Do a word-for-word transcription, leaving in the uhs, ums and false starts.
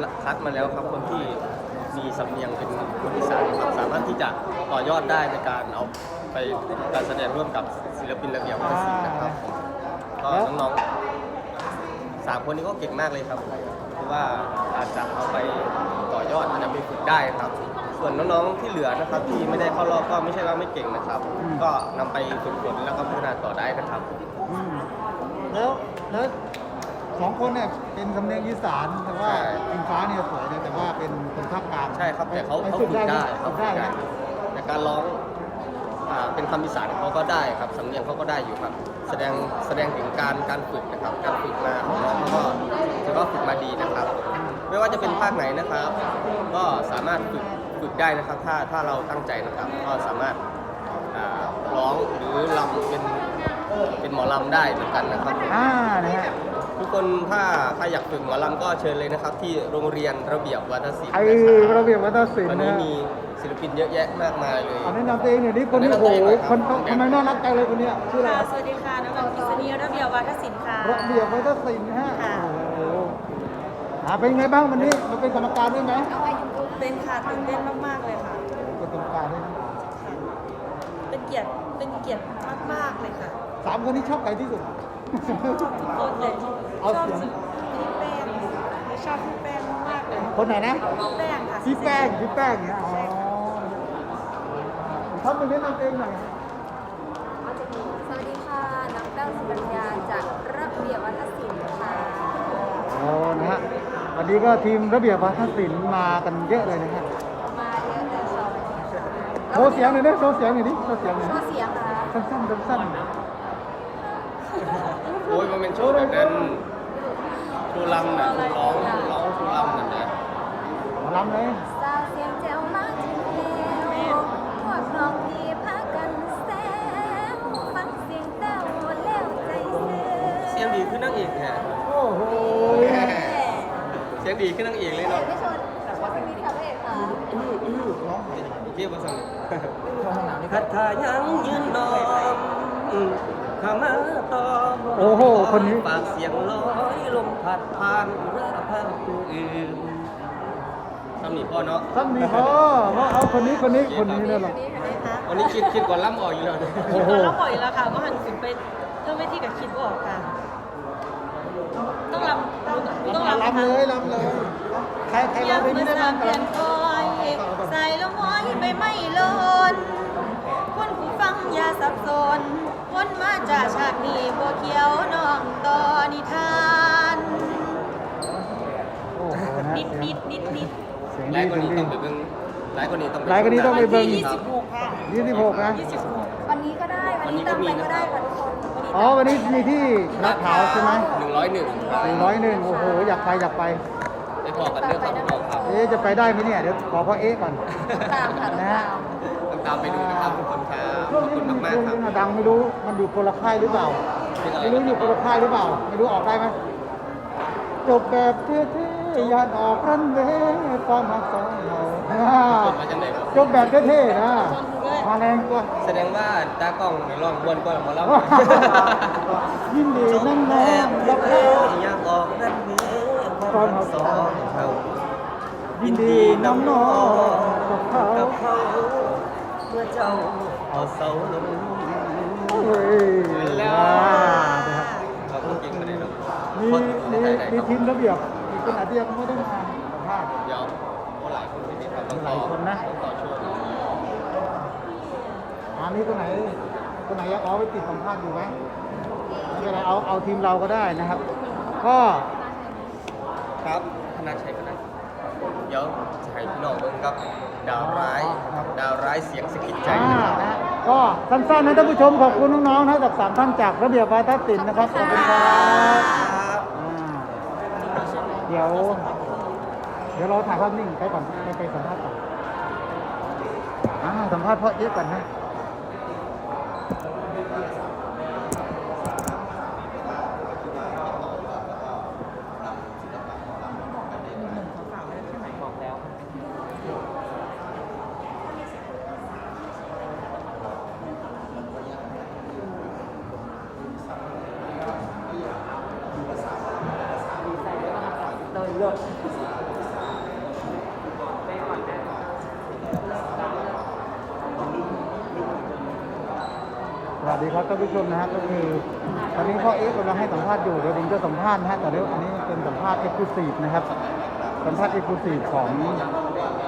คัดมาแล้วครับคนที่มีสำเนียงเป็นคนอีสานครับสามารถที่จะต่อยอดได้ในการเอาไปการแสดงร่วมกับศิลปินระเบียบวัฒนศิลป์นะครับก็น้องๆสามคนนี้ก็เก่งมากเลยครับเพราะว่าอาจจะเอาไปต่อยอดอาจจะไปฝึกได้ครับส่วนน้องๆที่เหลือนะครับที่ไม่ได้เข้ารอบก็ไม่ใช่ว่าไม่เก่งนะครับ ก็นำไปฝึกฝนแล้วก็พัฒนาต่อได้นะครับอืมแล้วแล้วสองคนเนี่ยเป็นสำเนียงอีสานแต่ว่าใช่อิงฟ้าเนี่ยสวยเลยแต่ว่าเป็นคนภาคกลางใช่ครับแต่เขาปเขาฝึฝึกหมได้เขาฝึกฝึได้กได้นะแต่การร้องอ่าเป็นคำอีสานเขาก็ได้ครับสำเนียงเขาก็ได้อยู่ครับ แสดงแสดงถึงการการฝึกนะครับ การฝึกมาของน้องเขาก็ถือว่าฝึกมาดีนะครับ ไม่ว่าจะเป็นภาคไหนนะครับ ก็สามารถฝึกฝึกได้นะครับ ถ้าถ้าเราตั้งใจนะครับ ก็สามารถอ่าร้องหรือรำเป็นเป็นหมอลำได้เหมือนกันนะครับอ่านะฮะทุกคนถ้าถ้าอยากฝึกหมอลำก็เชิญเลยนะครับ ที่โรงเรียนระเบียบวัฒนศิลป์ไอ้นะครับระเบียบวัฒนศิลวันป์นี้นะมีศิลปินเยอะแยะมากมายเลยเอาแนะนำตัวเองหน่อยนี่คนนี้แนะโอ้นำตัวโหเองหน่อยครับคนทำไมน่ารักจังเลยคนเนี้ยชื่ออะไรค่ะครับสวัสดีค่ะ น้องวันกิษณีระเบียบวัฒนศิลป์ค่ะระเบียบวัฒนศิลป์นะฮะค่ะโอ้โหอ่าเป็นไงบ้างวันนี้มาเป็นกรรมการด้วยไหมเป็นค่ะตื่นเต้นมากๆเลยค่ะเป็นกรรมการด้วยนะเป็นเกียรติ เป็นเกียรติมากๆเลยค่ะสามคนนี้ชอบใครที่สุดทุกคนเลยชเอาอบเสียงพี่แป้งชอบพี่แป้งมากๆเลยคนไหนนะพี่แป้งค่ะพี่แป้งพี่แป้งเนี่ยอ๋อท่านเป็นแนะนำเองหน่อยครับสวัสดีค่ะ น้องแป้งสุกัญญาจากระเบียบวัฒนศิลป์ค่ะโอ้นะฮะวันนี้ก็ทีมระเบียบวัฒนศิลป์มากันเยอะเลยนะฮะมาเยอะเลยค่ะโชว์เสียงหน่อยดิโชว์เสียงหน่อยดิโชว์เสียงหน่อยโชดิว์เสียงค่ะสั้นๆสั้นโอ้ยมันเป็นโชว์แบบนั้นโชว์ลำนะโชว์ร้องโชว์ร้องโชว์ลำนั่นนะๆหมอลำเลยสาวเสียงแจ๋วมากทีเดียวพวกน้องพี่พากันแซวฟังเสียงแต้วแล้วใจเสือเสียงดีขึ้นนั่งเอกแฮะโอ้โหเสียงดีขึ้นนั่งเอกเลยเอกเนาะไม่ชนแต่ว่าเป็นมิตรค่ะพระเอกค่ะร้องเกี่ยวกับสังช่องหนังนี่คคัรับดทายังยืนนอมข้ามาตอมโอ้โหคนนี้ปากเสียงลอยลมพัดผ่านราพันผู้อื่นทำหนีพ่อเนาะซ้ำนี่พอว่าเอาคนนี้คนนี้คนนี้เนี่ยหรอนี่เห็นไหมคะวันนี้คิดคิดก่อนล่ำออกอยู่แล้วเนี่ยโอ้โหตอนเราปล่อยแล้วค่ะก็หันขึ้นไปเรื่องไม่ที่กับคิดว่าออกค่ะ ต้องรำต้องรำลำเลยลำเลย ใครใครอร้ยาองกเพลงมานี้ได้สาบ้างมคเดืรัอบ นคอย ใส่ละม้อยไปไม่ลนคนผู้ฟังอย่าสับสนคนมาจากชาตินี้บัวเขียวน้องต่อนิทานโอ้โหนะนิดนิดนิดนิดเสียงหดีลายคนนี้เสีต้ยองงไปดีเบิ่งหลายคนนี้ต้องหลายคนนี้ต้องไปเบิ่งวันที่ยี่สิบหกค่ะยี่สิบหกนะยี่สิบหกวันนี้ก็ได้ วันนี้ตามไปก็ได้ค่ะทุกคนอ๋อวันนี้มีที่ลาดพร้าวใช่ไหมหนึ่งร้อยหนึ่งหนึ่งร้อยหนึ่งโอ้โหอยากไปอยากไปไปพอกันเรื่องของเราครับเอ๊ะจะไปได้ไหมเนี่ยเดี๋ยวขอพ่อเอ๊ะก่อนตามค่ะนะฮะต้องตามไปดูนะครับทุกคนครับขช่วอง บนี้คุณมันมากช่วงๆครับนี้ดังไม่รู้มันอยู่คนละค่ายหรือเปล่า ไม่รู้อยู่คนละค่ายหรือเปล่า ไม่รู้ออกได้ไหมจบแบบเท่ๆยานออกรันเวย์ความหักสองเราอ่าจบมาจังไหนครับจบแบบเท่ๆนะมาแรงกว่าแสดงว่าตากล้องในร่องวนกว่าหมอลำยินดีนั่งน้องรับแล้แล้ว วอยากออกนั่นเองความรักสองเรายินดีน้องน้องกับเขากับเขาเมื่อเจ้าเอาเสาลงเฮ้ยแล้วอ่านะครับเราต้องกินมาได้หรอกมีคนมีไทยไหนมีครับทีมระเบียบอีกคนอาจจะยังไม่ได้มาสัมภาษณ์เดี๋ยวคนหลายคนที่นี่ครับต้องหต่ลาอยคนนะต้องต่อช่วงอันนี้คนไหนคนไหนอยากเอาไปติดสัมภาษณ์อยู่ไหมไม่เป็นไรเอาเอาทีมเราก็ได้นะครับ ก็ครับธนาชัยก็ได้เดี๋ยวจะให้พี่น้องเบิ่งครับ ดาวร้ายครับดาวร้ายเสียงสะกิดใจอ่านะครับนะก็สั้นๆนะท่านผู้ชมขอบคุณน้องๆนะจากสามท่านจากระเบียบวาทศิลป์นะครับขอบคุณครับอ่าเดี๋ยว เดี๋ยวเราถ่ายภาพนิ่งไปก่อนไปไปสัมภาษณ์ก่อนอ่าสัมภาษณ์พ่อเอ๊ะก่อนนะสวัสดีครับท่านผู้ชมนะฮะก็คือตอนนี้พ่อเอ๊กำลังให้สัมภาษณ์อยู่เดี๋ยวผมจะสัมภาษณ์นะฮะแต่เดี๋ยวอันนี้เป็นสัมภาษณ์เอ็กซ์คลูซีฟนะครับสัมภาษณ์เอ็กซ์คลูซีฟของ